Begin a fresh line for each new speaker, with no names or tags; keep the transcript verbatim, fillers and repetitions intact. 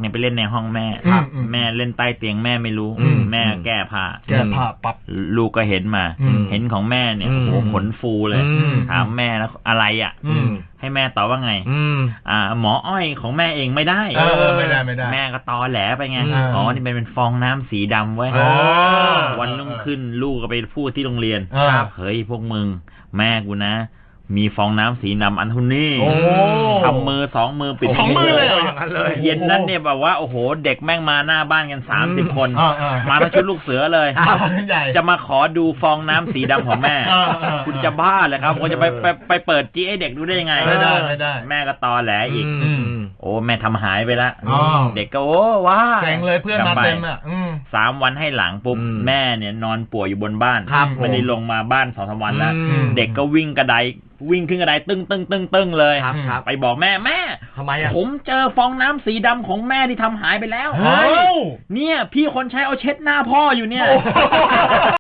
ไปเล่นในห้องแม่แม่เล่นใต้เตียงแม่ไม่รู้แม่แก้ผ้า
แก้ผ้าปั๊บ
ลูกก็เห็นมาเห็นของแม่เนี่ยโอ้ขนฟูเลยถามแม่แล้วอะไรอ่ะให้แม่ตอบว่าไงอ่าหมออ้อยของแม่เองไม่ได้
เออไม่ได้ไม่ได้
แม่ก็ตอแหลไปไงอ๋อนี่เป็นเป็นฟองน้ำสีดำไว้วันรุ่งขึ้นลูกก็ไปพูดที่โรงเรียนเฮ้ยพวกมึงแม่กูนะมีฟองน้ำสีดำอันทุนนี่ทำมือสองมือปิด
สองมือเลยอย่างนั้นเลย
เย็นนั้นเนี่ยแบบว่าโอ้โหเด็กแม่งมาหน้าบ้านกันสามสิบคนมาทั้งชุดลูกเสือเลยจะมาขอดูฟองน้ำสีดำของแม่คุณจะบ้าเลยครับคุณจะไปไปไปเปิดจี้ให้เด็กดูได้ยังไง
ไม่ได้ไม่ได้
แม่ก็ตอแหลอีกโอ้แม่ทำหายไปละเด็กก็โอ้ว้า
แข่งเลยเพื่อนมาเต็มอ่ะ
สามวันให้หลังปุ๊บแม่เนี่ยนอนป่วยอยู่บนบ้านไม่ได้ลงมาบ้านสองสามวันแล้วเด็กก็วิ่งกระไดวิ่งขึ้นกระไดตึ้งตึ้งตึ้งตึ้งเลยไปบอกแม่แม่
ทำไมอ่ะ
ผมเจอฟองน้ำสีดำของแม่ที่ทำหายไปแล้วเนี่ยพี่คนใช้เอาเช็ดหน้าพ่ออยู่เนี่ย